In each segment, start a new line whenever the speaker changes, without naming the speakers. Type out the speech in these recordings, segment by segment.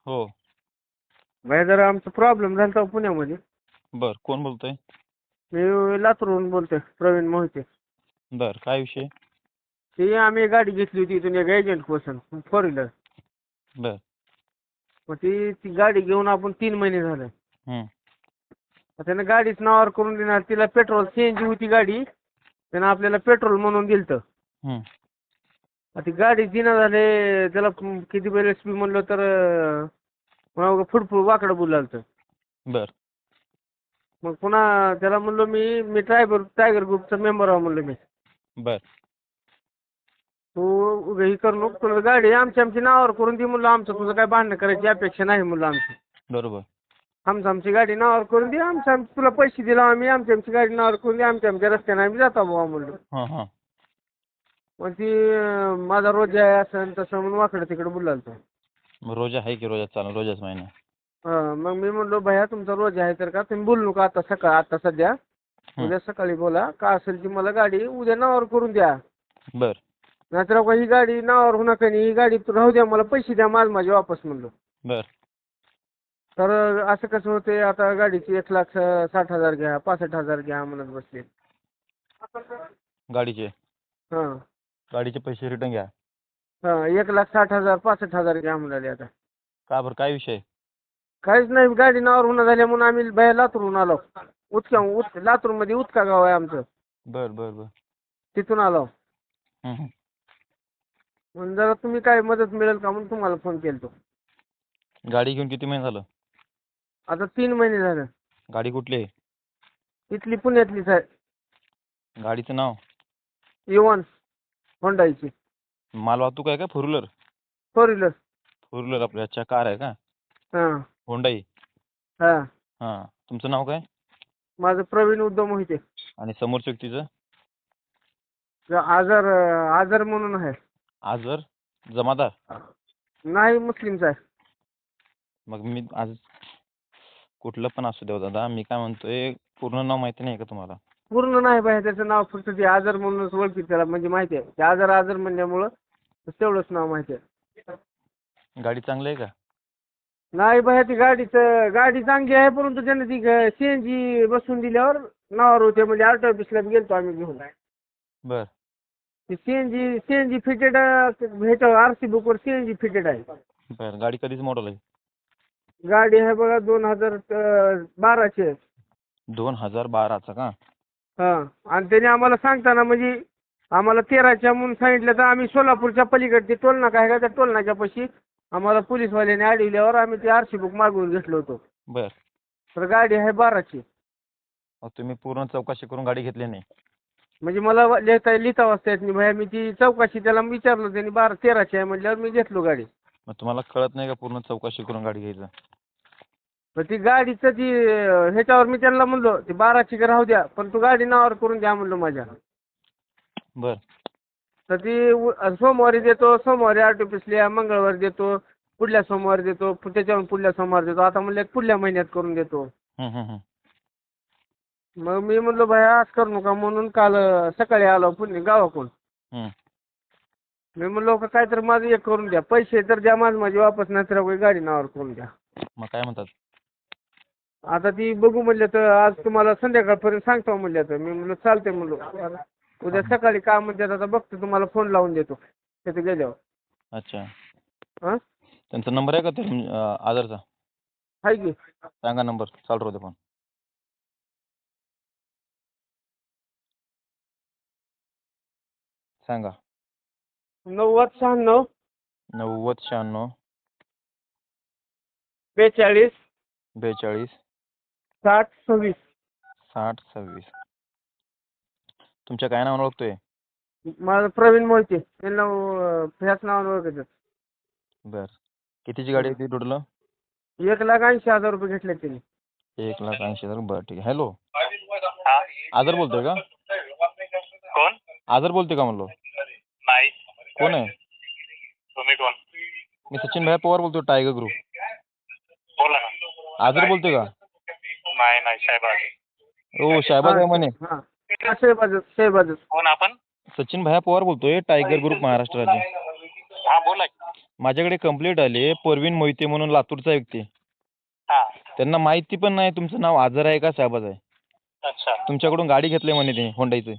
हो.
भाई जरा आमचा प्रॉब्लेम झाला होता पुण्यामध्ये.
बर, कोण बोलतोय?
मी लातूरहून बोलतोय, प्रवीण मोहिते.
बर, काय विषय?
ती आम्ही गाडी घेतली होती इथून एक एजंट पासून, 4 व्हीलर.
बर.
मग ती गाडी घेऊन आपण 3 महिने झाले.
हम्म.
त्यानं गाडीच नावावर करून देणार, तिला पेट्रोल सीएनजी होती गाडी, त्यानं आपल्याला पेट्रोल म्हणून दिलतं.
हम्म.
ती गाडी दिना झाले, त्याला किती वेळ एसपी म्हणलं तर फुडफुड वाकडं बोलालतं.
बर.
मग पुन्हा त्याला म्हणलो मी टायगर ग्रुपचा मेंबर आहे म्हणलं मी.
बर.
तू हे करू नको, तुला गाडी आमची नावावर करून दे म्हणलं. आमचं तुझं काय भांडणं करायची अपेक्षा नाही म्हणलं आमची.
बरोबर.
आमची गाडी नावावर करून दे, तुला पैसे दिला आम्ही, आमची गाडी नावावर करून दे, आमच्या रस्त्याने आम्ही जातो बाबा म्हणलं.
हां हां.
मग ती माझा रोज आहे असं तसं म्हणून वाकडं तिकडे बोलालतो.
रोजा आहे की रोजा चालेल, रोजाच महिना.
मग मी म्हणलो भैया तुमचा रोज आहे तर का तुम्ही बोलू नका आता सध्या, उद्या सकाळी बोला. का असेल ती मला गाडी उद्या नावावर करून द्या.
बर.
नाहीतर ही गाडी नावावर होणार का नाही, ही गाडी राहू द्या, मला पैसे द्या माझे वापस म्हणलो.
बर.
तर असं कसं होते, आता गाडीची 1,60,000 घ्या, 65,000 घ्या म्हणत बसले.
गाडीचे
हां
गाडीचे पैसे रिटर्न घ्या.
1,60,000 65,000 घ्या म्हणाले. आता
का बरं, काय विषय?
काहीच नाही, गाडी नावावर होणार झाल्या म्हणून आम्ही बाहेर लातूरहून आलो. लातूरमध्ये उतका गाव आहे आमचं,
बर बर बर.
तिथून आलो.
हम्म.
म्हणून जरा तुम्ही काय मदत मिळेल का म्हणून तुम्हाला फोन केलतो.
गाडी घेऊन किती महिने झालं?
आता 3 महिने झालं.
गाडी कुठली आहे?
इथली पुण्यातलीच आहे,
गाडीचं नाव?
इवन होंडाईची
माल वाहतूक आहे का? Four wheeler?
4 व्हीलर.
फोर व्हीलर आपल्या अच्छा, कार आहे का?
हां
होंडाई.
हां.
हां. तुमचं नाव काय?
माझं प्रवीण उद्धव मोहिते.
आणि समोरच्या व्यक्तीचं?
आझर म्हणून आहे.
आजर जमादार?
नाही, मुस्लिमचा आहे.
मग मी आज कुठलं पण असू द्या दादा, मी काय म्हणतोय, पूर्ण नाव माहिती नाही का तुम्हाला?
पूर्ण नाही बाहेर, त्याचं नाव फक्त ते आझर म्हणूनच ओळखी त्याला, म्हणजे माहिती आहे ते आझर म्हणल्यामुळं तेवढंच नाव माहिती आहे.
गाडी चांगली आहे का?
नाही बाहेर, ती गाडी चांगली आहे, परंतु त्याने ती सीएनजी बसून दिल्यावर नावावर होते. म्हणजे आरटी ऑफिसला गेलतो आम्ही घेऊन.
बर.
ती सीएनजी फिटेड भेटव, आरसी बुकवर सीएनजी फिटेड आहे.
बर. गाडी कधीच मॉडेल आहे?
गाडी आहे बघा 2012ची.
2012चा का?
हां. आणि त्याने आम्हाला सांगताना म्हणजे आम्हाला 13च्या म्हणून सांगितलं, तर आम्ही सोलापूरच्या पलीकडची टोल नाका आहे का, त्या टोल नाक्यापाशी आम्हाला पोलीसवाल्याने अडविल्यावर आम्ही ते आरसी बुक मागवून घेतलं होतं.
बर.
तर गाडी आहे 12ची.
मग तुम्ही पूर्ण चौकशी करून गाडी घेतली नाही?
म्हणजे मला लिहिता वाचता येत नाही भैया. मी ती चौकशी त्याला विचारलं, त्यांनी 13ची आहे म्हटल्यावर मी घेतलो गाडी.
मग तुम्हाला कळत नाही का पूर्ण चौकशी करून गाडी घ्यायचं?
मग ती गाडीचं ह्याच्यावर मी त्यांना म्हणलो ती 12ची राहू द्या, पण तू गाडी नावावर करून द्या म्हणलो माझ्या.
बर.
तर ती सोमवारी देतो, सोमवारी आरटीपीसीला, मंगळवारी देतो, पुढल्या सोमवारी देतो, त्याच्यावर पुढल्या सोमवारी देतो. आता म्हणलं पुढल्या महिन्यात करून देतो. मग मी म्हणलो भाया आज करू नका, म्हणून काल सकाळी आलो पुणे गावाकडून. मी म्हणलो का काय तर माझं एक करून द्या, पैसे तर द्या माझे वापस, नाही तर गाडी नावावर करून द्या.
मग काय म्हणतात?
आता ती बघू म्हणलं तर आज तुम्हाला संध्याकाळपर्यंत सांगतो म्हणलं. तर मी म्हणलं चालते म्हणलो, उद्या सकाळी काय म्हणतात आता बघतो, तुम्हाला फोन लावून देतो तिथे गेल्यावर.
अच्छा.
हां.
त्यांचा नंबर आहे का ते आधारचा?
आहे की.
सांगा नंबर, चालू राहू दे फोन. सांगा.
9096
9096
42
42
60 26.
60 26. तुमच्या काय नावानं ओळखतोय?
माझं प्रवीण मोहिते, त्यांना ह्याच नावानं ओळखतात.
बर. कितीची गाडी आहे ती टोटल?
1,80,000 रुपये घेतले त्यांनी.
1,80,000. बरं ठीक आहे. हॅलो, आदर बोलतोय का?
कोण?
आदर बोलतोय का म्हणलो?
नाही.
कोण आहे?
तुम्ही कोण?
मी सचिन भाई पवार बोलतोय, टायगर ग्रुप.
बोला ना.
आदर बोलतोय का?
नाही साहेबाज.
हो, शाहबाज आहे म्हणे.
हां, शहबाज.
कोण आपण?
सचिन भाई पवार बोलतोय, टायगर ग्रुप महाराष्ट्र राज्य.
हा बोला.
माझ्याकडे कंप्लेंट आली परवीन मोहिते म्हणून लातूरचा व्यक्ती.
हा.
त्यांना माहिती पण नाही तुमचं नाव आझर आहे का शहबाज आहे.
अच्छा.
तुमच्याकडून गाडी घेतली म्हणे ते होंडाईचं.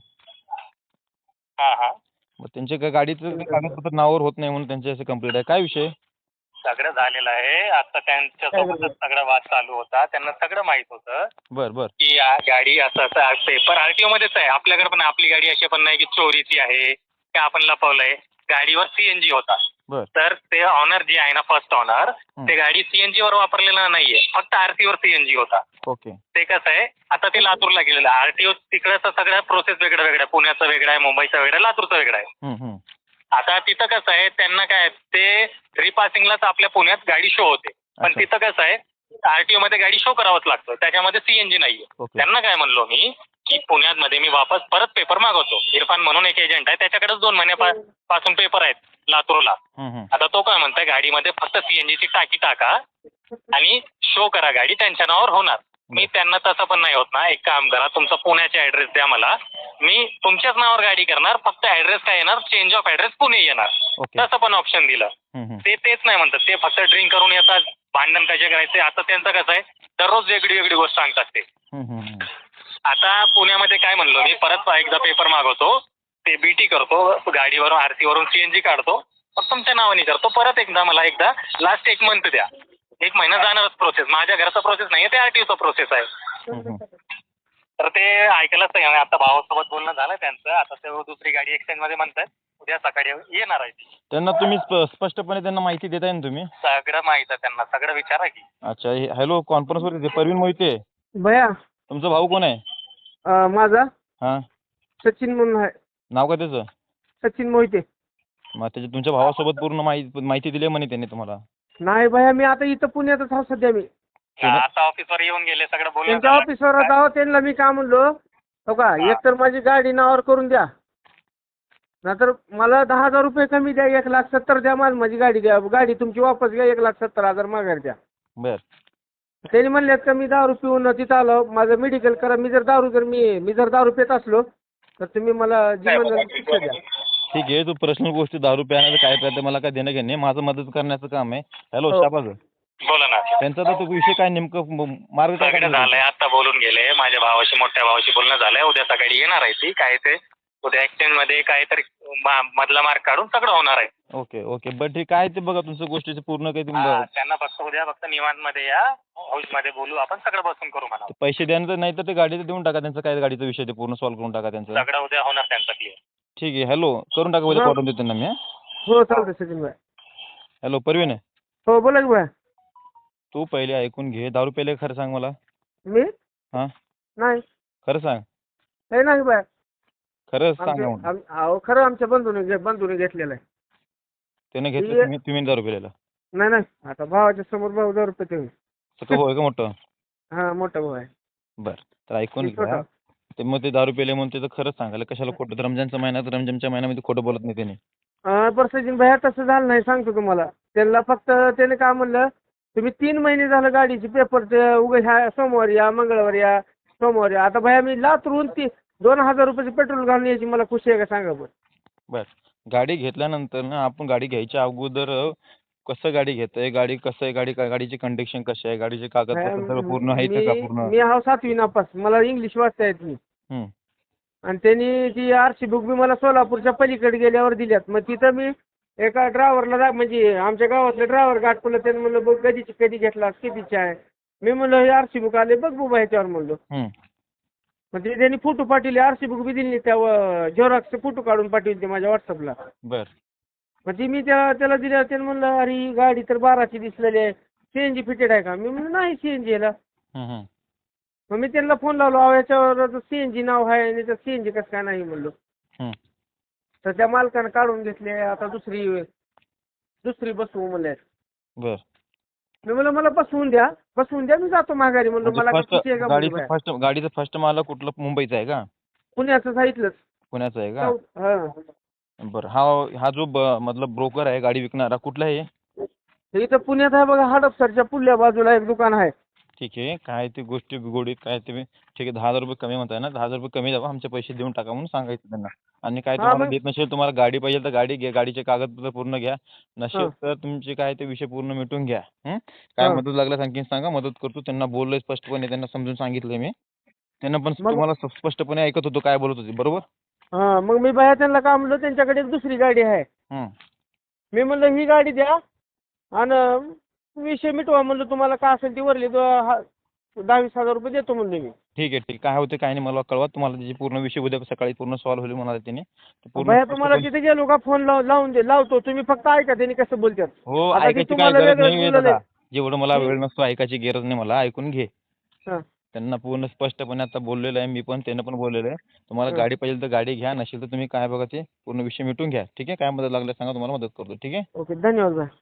हा हा.
मग त्यांच्या गाडीचं कागदपत्र नावावर होत नाही म्हणून त्यांची असं कंप्लेंट आहे. काय विषय?
सगळं झालेलं आहे. आता त्यांच्यासोबतच सगळा वाद चालू होता. त्यांना सगळं माहित होतं
बर बर
की गाडी असं पेपर आरटीओ मध्येच आहे. आपल्याकडे पण आपली गाडी अशी पण नाही की चोरीची आहे की आपण लपवलंय. गाडीवर सीएनजी होता.
बर
तर ते ऑनर जे आहे ना फर्स्ट ऑनर ते गाडी सीएनजी वर वापरलेलं नाहीये. फक्त आरटी वर सीएनजी होता.
ओके.
ते कसं आहे आता ते लातूरला गेलेलं आहे. आरटीओ तिकडचं सगळ्या प्रोसेस वेगळं वेगळं आहे. पुण्याचं वेगळं आहे, मुंबईचं वेगळं आहे, लातूरचं वेगळं आहे. आता तिथं कसं आहे त्यांना काय ते रिपासिंगलाच आपल्या पुण्यात गाडी शो होते. पण
अच्छा.
तिथं कसं आहे आरटीओ मध्ये गाडी शो करावंच लागतं. त्याच्यामध्ये सीएनजी नाहीये.
ओके.
त्यांना काय म्हणलो मी की पुण्यामध्ये मी वापस परत पेपर मागवतो. इरफान म्हणून एक एजंट आहे त्याच्याकडेच 2 महिन्यापासून पेपर आहेत लातूरला. आता तो काय म्हणतोय गाडीमध्ये फक्त सीएनजीची टाकी टाका आणि शो करा गाडी त्यांच्या नावावर होणार. मी त्यांना तसं पण नाही होत ना. एक काम करा तुमचा पुण्याचा ऍड्रेस द्या मला. मी तुमच्याच नावावर गाडी करणार. फक्त ऍड्रेस काय येणार चेंज ऑफ ऍड्रेस पुणे येणार.
ओके.
तसं पण ऑप्शन दिलं. ते तेच नाही म्हणतात. ते फक्त ड्रिंक करून येतात. भांडण कसे करायचे. आता त्यांचं कसं आहे दररोज वेगळी वेगळी गोष्ट सांगतात ते. आता पुण्यामध्ये काय म्हणलो मी परत एकदा पेपर मागवतो. ते बीटी करतो गाडीवरून आरसी वरून सीएनजी काढतो. मग तुमच्या नावाने करतो. परत एकदा लास्ट 1 मंथ द्या. 1 महिना जाणारच प्रोसेस. माझ्या घराचा प्रोसेस नाहीये ते आरटीओचा प्रोसेस आहे. तर ते ऐकायलाच नाही. आता भावासोबत बोलणं झालं त्यांचं. आता ते दुसरी गाडी एक्सचेंज मध्ये म्हणतात उद्या सकाळी येणार आहे ती.
त्यांना तुम्ही स्पष्टपणे त्यांना माहिती देताय ना तुम्ही?
सगळं माहित आहे त्यांना. सगळं विचारा की.
अच्छा. हॅलो कॉन्फरन्सवर परवीन मोहिते
भैया
तुमचा भाऊ कोण आहे?
माझा
हां
सचिन म्हणून आहे.
नाव काय त्याचं?
सचिन मोहिते.
मग त्याच्या तुमच्या भावासोबत पूर्ण माहिती दिली म्हणे त्यांनी तुम्हाला?
नाही भैया मी आता इथं पुण्यातच आहो सध्या. मी
आता ऑफिसवर येऊन गेले सगळं बोलणं
त्यांच्या
झालं.
ऑफिसवर आहो. त्यांना मी काय म्हणलो हो का एकतर माझी गाडी नावावर करून द्या नाहीतर मला 10,000 रुपये कमी द्या. 1,70,000 द्या. माझी गाडी द्या. गाडी तुमची वापस घ्या. 1,70,000 माघार द्या.
बर.
त्यांनी म्हणल्यात का मी दारू पिऊन तिथं आलो. माझं मेडिकल करा. मी जर दारू पित असलो तर तुम्ही मला जीवन शिक्षा द्या.
ठीक आहे. तू पर्सनल गोष्टी दारू प्यायचं काय प्यायचं मला काय देणं घेणे. माझं मदत करण्याचं काम आहे. हॅलो शाबाज
बोला ना.
त्यांचा तर तो विषय काय नेमकं मार्ग काय
सगळं झालंय. आता बोलून गेले. माझ्या भावाशी मोठ्या भावाशी बोलणं झालंय. उद्या सकाळी येणार आहे ती. काय ते उद्या एक्सचेंज मध्ये काहीतरी मधला मार्क काढून सगळं होणार आहे.
Okay okay. बरं ठीक आहे. ते बघा तुमचं गोष्टीचं पूर्ण काही
त्यांना फक्त निवांत मध्ये या. हाऊस मध्ये बोलू आपण सगळं बसून करू म्हणा.
पैसे द्यायचं नाही तर ते गाडीचं देऊन टाका. त्यांचा काय गाडीचा विषय ते पूर्ण सॉल्व्ह करून टाका त्यांचं.
सगळं उद्या होणार त्यांचं क्लिअर.
ठीक आहे. हॅलो करून टाका. उद्या पाठवून देतो त्यांना मी.
हो चालतंय सचिन भाई.
हॅलो परवीन
हो बोला की भाई.
तू पहिले ऐकून घे. दारू प्यायले खरं सांग मला.
मी
हां
नाही
खरं सांग.
हे नाही बाय.
खरं सांग.
अहो खरं आमच्या बंधूने घेतलेलं आहे.
त्याने घेतलं तुम्ही दारू प्यायला?
नाही नाही. आता भावाच्या समोर भाऊ दारू पितो.
होय का मोठं?
हा मोठा भाऊ आहे.
बरं तर ऐकून घ्या. ते मग ते दारू प्यायले म्हणून त्याचं खरंच सांगायला कशाला खोटं. रमजानच्या महिन्यामध्ये खोटं बोलत नाही त्याने.
बरं सचिन भाई तसं झालं नाही सांगतो तुम्हाला. त्यांना फक्त त्याने काय म्हणलं तुम्ही 3 महिने झालं गाडीचे पेपर उगा ह्या सोमवारी या मंगळवारी या सोमवारी या. आता भैया मी लातूरून 2,000 रुपयाचे पेट्रोल घालून यायची मला खुशी आहे का सांगा बरं.
बरं गाडी घेतल्यानंतर ना आपण गाडी घ्यायच्या अगोदर कसं गाडी घेतोय गाडी कसं आहे गाडीची कंडिशन कशी आहे गाडीचे कागदपत्र सगळं पूर्ण आहेत का पूर्ण?
मी 7वी नापास. मला इंग्लिश वाचता येत नाही. आणि त्यांनी ती आरसी बुक बी मला सोलापूरच्या पलीकडे गेल्यावर दिल्यात. मग तिथं मी एका ड्रायव्हरला म्हणजे आमच्या गावातलं ड्रायव्हर गाठवलं. त्यांनी म्हणलं बघ कधी घेतला कितीची आहे. मी म्हणलं हे आरसी बुक आले बघ बुबा ह्याच्यावर म्हणलो. मग ते त्यांनी फोटो पाठवले. आरसी बुक बी दिली. त्या झेरॉक्सचे फोटो काढून पाठवले माझ्या व्हॉट्सअपला.
बर.
मग ती मी त्याला दिल्यावर त्यानं म्हणलं अरे ही गाडी तर 12ची दिसलेली आहे. सीएनजी फिटेड आहे का? मी म्हणलं नाही सीएनजी याला. मग मी त्यांना फोन लावलो. याच्यावर सीएनजी नाव आहे आणि त्या सीएनजी कसं काय नाही म्हणलो. तर त्या मालकानं काढून घेतले. आता दुसरी बसवू म्हणले.
बर.
मी म्हणलं मला बसवून द्या मी जातो माघारी म्हणलो. मला
गाडीचं फर्स्ट मालक कुठलं मुंबईचा आहे का?
पुण्याचं सांगितलंच.
पुण्याचा आहे का? बरं. हा जो मतलब ब्रोकर आहे गाडी विकणारा कुठला आहे?
इथं पुण्यात आहे बघा. हडपसरच्या पुढल्या बाजूला एक दुकान आहे.
ठीक आहे, काय ते गोष्टी गोडीत काय ते ठीक आहे, 10,000 रुपये कमी म्हणताय ना, 10,000 रुपये कमी द्यावा, आमचे पैसे देऊन टाका म्हणून सांगायचं त्यांना. आणि काय
हा
तुम्हाला
मग
देत नसेल, तुम्हाला गाडी पाहिजे तर गाडी घ्या, गाडीचे कागदपत्र पूर्ण घ्या,
हा
नसेल तर तुमचे काय ते विषय पूर्ण मिटून घ्या. काय
हा
मदत लागल्यास आणखीन सांगा, मदत करतो. त्यांना बोललोय स्पष्टपणे, त्यांना समजून सांगितलंय मी. त्यांना पण
मग
तुम्हाला स्पष्टपणे ऐकत होतो काय बोलत होते, बरोबर.
हा मग मी बाया त्यांना काय म्हणलं, त्यांच्याकडे एक दुसरी गाडी आहे.
हं.
मी म्हणलं ही गाडी द्या आणि विषय मिटवा म्हणलं, तुम्हाला काय असेल ती वरली 10-20 हजार रुपये देतो म्हणलं मी.
ठीक आहे, ठीक. काय होते काय नाही मला कळवा, तुम्हाला त्याची पूर्ण विषय उद्या सकाळी पूर्ण सॉल्व्ह होईल म्हणाले त्याने. ते पूर्ण
भैया तुम्हाला
स्पष्टपणे
तिथे गेलो का फोन लावतो, तुम्ही फक्त ऐका त्यांनी कसं बोलतात.
हो,
आता ती
ऐकायची काय
तुम्हाला
गरज
वेगळंच
नाही
बोलले.
दादा. जेवढं मला वेळ नसतो ऐकायची गरज नाही, मला ऐकून घे.
हां
त्यांना पूर्ण स्पष्टपणे आता बोललेलं आहे मी पण, त्यांना पण बोललेलं आहे. तुम्हाला
हां
गाडी पाहिजे तर गाडी घ्या, नसेल तर तुम्ही काय बघा ते पूर्ण विषय मिटून घ्या. ठीक आहे, काय मदत लागल्यास सांगा, तुम्हाला मदत करतो. ठीक आहे.
ओके, धन्यवाद भाई.